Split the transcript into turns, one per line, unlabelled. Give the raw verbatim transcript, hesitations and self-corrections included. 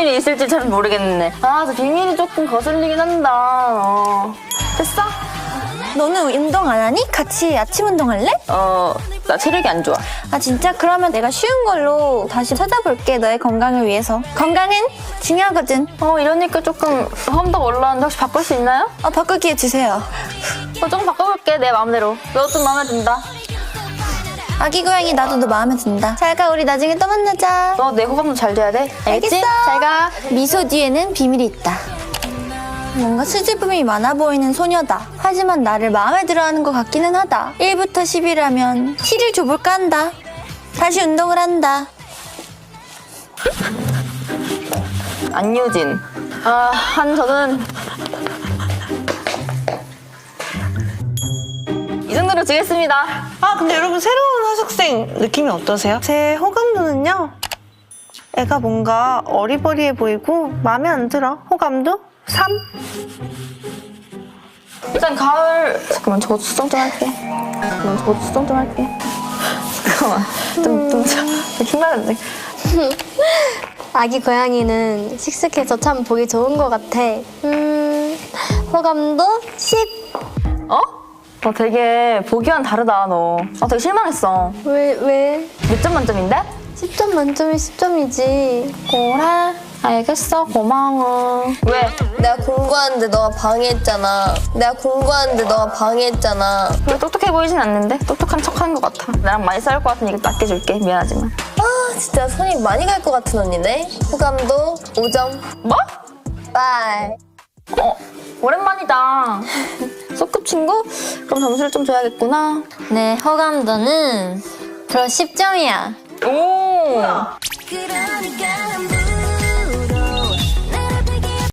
비밀이 있을지 잘 모르겠네. 아, 저 비밀이 조금 거슬리긴 한다. 어. 됐어?
너는 운동 안 하니? 같이 아침 운동할래?
어, 나 체력이 안 좋아.
아 진짜? 그러면 내가 쉬운 걸로 다시 찾아볼게. 너의 건강을 위해서. 건강은 중요하거든.
어, 이러니까 조금 험덕 올라왔는데 혹시 바꿀 수 있나요?
어, 바꿀 기회 주세요.
어, 조금 바꿔볼게, 내 마음대로. 너 좀 마음에 든다.
아기 고양이 나도 너 마음에 든다. 잘 가. 우리 나중에 또 만나자.
너 내 호감도 잘 돼야 돼. 알겠지?
알겠어.
잘 가.
미소 뒤에는 비밀이 있다. 뭔가 수줍음이 많아 보이는 소녀다. 하지만 나를 마음에 들어하는 것 같기는 하다. 일부터 십이라면 칠을 줘볼까 한다. 다시 운동을 한다.
안유진. 아, 한 저는 이 정도로 주겠습니다.
아 근데 여러분 새로운 하숙생 느낌이 어떠세요? 제 호감도는요. 애가 뭔가 어리버리해 보이고 마음에 안 들어. 호감도 삼.
일단 가을. 잠깐만, 저거 수정 좀 할게. 잠깐만, 저거 수정 좀 할게. 잠깐만, 좀, 좀, 좀 힘나는데.
아기 고양이는 씩씩해서 참 보기 좋은 것 같아. 음, 호감도 십.
어? 너 되게 보기와는 다르다, 너. 아, 되게 실망했어.
왜, 왜?
몇 점 만점인데?
십 점 만점이 십 점이지.
그래? 알겠어, 고마워. 왜?
내가 공부하는데 너가 방해했잖아. 내가 공부하는데 너가 방해했잖아.
왜 똑똑해 보이진 않는데? 똑똑한 척 하는 것 같아. 나랑 많이 싸울 것 같으니까 또 아껴줄게. 미안하지만.
아 진짜 손이 많이 갈 것 같은 언니네. 호감도 오 점.
뭐?
빠이.
어, 오랜만이다. 소꿉 친구? 그럼 점수를 좀 줘야겠구나.
네, 호감도는 플러스 십 점이야.
오!
그러니까